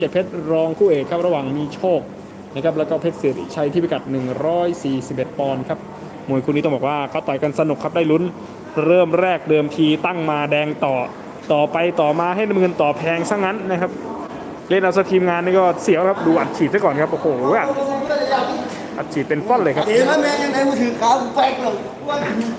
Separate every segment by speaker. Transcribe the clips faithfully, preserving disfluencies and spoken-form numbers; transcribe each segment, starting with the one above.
Speaker 1: เจ็ดเพชรรองคู่เอกครับระหว่างมีโชคนะครับแล้วก็เพชรสิริชัยที่พิกัดหนึ่งร้อยสี่สิบเอ็ดปอนด์ครับมวยคู่นี้ต้องบอกว่าเขาต่อยกันสนุกครับได้ลุ้นเริ่มแรกเดิมทีตั้งมาแดงต่อต่อไปต่อมาให้น้ำเงินต่อแพงซะงั้นนะครับเล่นเอาซะทีมงานนี่ก็เสียวครับดูอัดฉีดซะก่อนครับโอ้โหอัดฉีดเป็นฟ้อนเลยครับ
Speaker 2: เดี๋ยวแม่ยังไงมือถือขาวแป๊กเลยว่า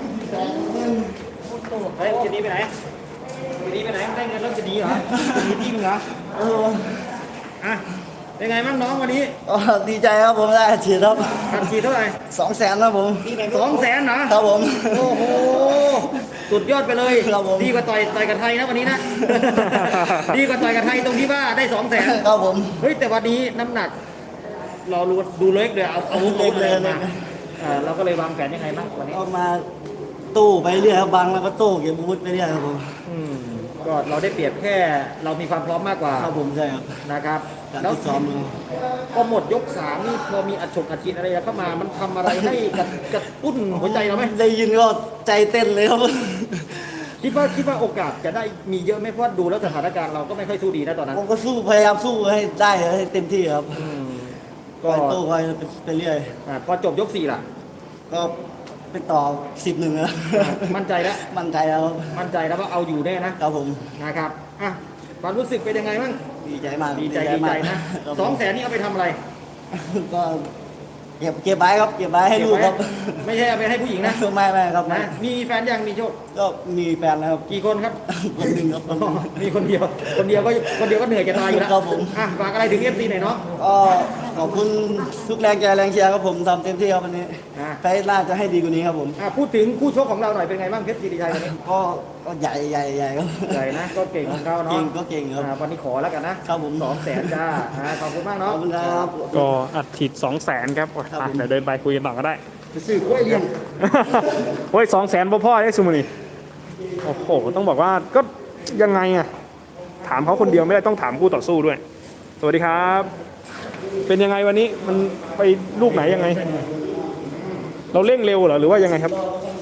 Speaker 3: เฮ้ยจะหนีไปไหนจะหนีไปไหนได้เงินแล้วจะหนีเหรอจะหนีที่มึงเหรอ
Speaker 2: เออ
Speaker 3: อ่ะเป็นไงบ้างน้องวันนี้
Speaker 2: ดีใจครับผมได้ฉีดครับ
Speaker 3: อัดฉีดเท่าไหร่
Speaker 2: สองแสนครับผม
Speaker 3: สองแสนนะครับ
Speaker 2: ผม
Speaker 3: โอ้โหสุดยอดไปเลย
Speaker 2: ครับผม
Speaker 3: ดีกว่าต่อยต่อยกับไทยนะวันนี้นะดีกว่าต่อยกับไทยตรงที่ว่าได้สองแสน
Speaker 2: ครับผม
Speaker 3: เฮ้ยแต่วันนี้น้ำหนักเราดูดูเล็กเลยเอาเอาเล็กเลยนะเราก็เลยวางแผนยังไงบ้างวันนี้
Speaker 2: ออกมาตู้ไปเรื่อยครับบังแล้วก็ตู้เก็บอาวุธไปเรื่อยครับผม
Speaker 3: ก็เราได้เปรียบแค่เรามีความพร้อมมากกว่า
Speaker 2: ครับผมใช่ครับ
Speaker 3: นะครับ
Speaker 2: แล้วซ้อม
Speaker 3: ก็หมดยกสามนี่พอมีอัดฉกอัดฉีดอะไรเข้ามามันทำอะไรให้กระตุ้นหัวใจเราไหม
Speaker 2: ได้ยินก็ใจเต้นเลยครับ
Speaker 3: คิดว่าคิดว่าโอกาสจะได้มีเยอะไหมเพราะดูแล้วสถานการณ์เราก็ไม่ค่อยสู้ดีนะตอนนั้น
Speaker 2: ผมก็สู้พยายามสู้ให้ได้ให้เต็มที่ครับก็ตู้คอยไปเรื่อย
Speaker 3: พอจบยกสี่ล่ะ
Speaker 2: ก็ไปต่อสิบหนึ่งแล้ว
Speaker 3: มั่นใจแล้ว
Speaker 2: มั่นใจแล้ว
Speaker 3: มั่นใจแล้วว่าเอาอยู่แน่นะครับ
Speaker 2: ผม
Speaker 3: นะครับอ่ะความรู้สึกเป็นยังไงบ้าง
Speaker 2: ดีใจมาก
Speaker 3: ดีใจดีใจนะสองแสนนี่เอาไปทำอะไร
Speaker 2: ก็เก็บเก็บไว้ครับเก็บไว้ให้ลูกครับ
Speaker 3: ไม่ใช่เอาไปให้ผู้หญิงนะ
Speaker 2: ไม่ไม่ครับ
Speaker 3: นะมีแฟนยังมีโชค
Speaker 2: ก็มีแฟนแล้วครับ
Speaker 3: กี่คนครับ
Speaker 2: คนหนึ่งครับ
Speaker 3: มีคนเดียวคนเดียวก็คนเดียวก็เหนื่อยจะตายอยู่แล้ว
Speaker 2: ครับผม
Speaker 3: อ่ะฝากอะไรถึงเอฟซีหน่อยเนาะ
Speaker 2: ก็ขอบคุณทุกแรงใจแรงเชียร์ครับผมทำเต็มที่ครับวันนี้ไฟน่าจะให้ดีกว่านี้ครับผม
Speaker 3: พูดถึงคู่ชกของเราหน่อยเป็นไงบ้างเพชรศิริชัยวันนี้
Speaker 2: ก็ก็ใหญ่ใหญ่ใหญ่ครับ
Speaker 3: ใหญ่นะก็เก่งของเขาเนาะ
Speaker 2: เก่งก็เก่งครับ
Speaker 3: วันนี้ขอแล้วกันนะครับ
Speaker 2: ผม
Speaker 3: สองแสนจ้าขอบคุณมากเนาะ
Speaker 2: ขอบคุณครับ
Speaker 1: ก็อัดฉีดสองแสนครับเดี๋ยวเดินไปคุยกันต่อก็ได้
Speaker 2: สื่อกล้วยเลี้ยง
Speaker 1: โอ้ยสองแสนพ่อพ่อได้สุมาลีโอ้โหต้องบอกว่าก็ยังไงอะถามเขาคนเดียวไม่ได้ต้องถามคู่ต่อสู้ด้วยสวัสดีครับเป็นยังไงวันนี้มันไปลูกไหนยังไงเราเร่งเร็วเหรอหรือว่ายังไงครับ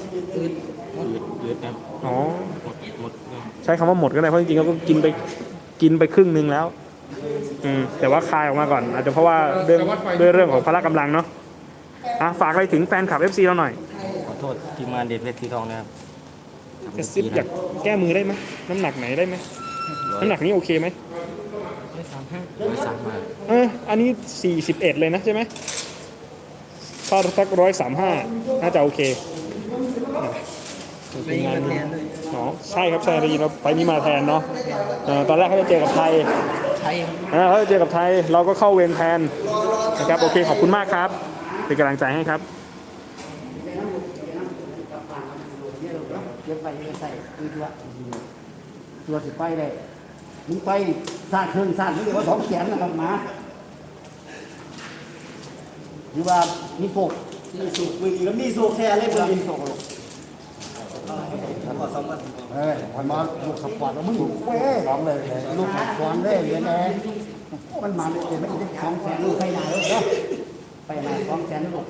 Speaker 1: อ๋อใช้คำว่าหมดก็ได้เพราะจริงๆเขาก็กินไปกินไปครึ่งนึงแล้วอืมแต่ว่าคายออกมาก่อนอาจจะเพราะว่าเรื่องด้วยเรื่องของพละกำลังเนาะอ่ะฝากอะไรถึงแฟนคลับ เอฟ ซี เราหน่อย
Speaker 3: ขอโทษทีมงานเด็ดเพชรสีทองนะครับ
Speaker 1: กระซิบอยากแก้มือได้ไหมน้ำหนักไหนได้ไหมน้ำหนักนี้โอเคไหม
Speaker 3: ร้อยสามห้าร้อยสามห้า
Speaker 1: เอออันนี้สี่สิบเอ็ดเลยนะใช่ไหมถ้าสักร้อยสามห้าน่าจะโอเค
Speaker 3: เป็นงานแทนเลย
Speaker 1: อ๋อใช่ครับใช่ได้ยินว่าไปนี้มาแทนเนาะตอนแรกเขาจะเจอกับไทย
Speaker 3: ไทย
Speaker 1: เขาจะเจอกับไทยเราก็เข้าเวรแทนนะครับโอเคขอบคุณมากครับเป็นกำลังใจให้ครับ
Speaker 2: เก็บไปใส่คือตัวตัวสิไปเลยมึงไปสร้างเครื่องสร้างนี่เรียกว่าสองแสนนะครับมาหรือว่ามีโฟกมีสุกมือนี้ก็มีสุกแท้เลยมือมีสุกเฮ้ยพอมาลูกสปอร์ตแล้วมึงเว้ยร้องเลยลูกสปอร์ตเลยเรียนแน่มันมาเลยไม่ได้สองแสนลูกใครหนาเลยไปหนาสองแสนลูก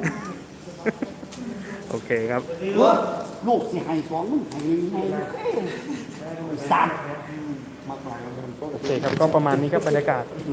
Speaker 1: โอเคครับ
Speaker 2: ลูกสิให้สองมึงให้ให้สาม
Speaker 1: โอเคครับก็ประมาณนี้ครับบรรยากาศ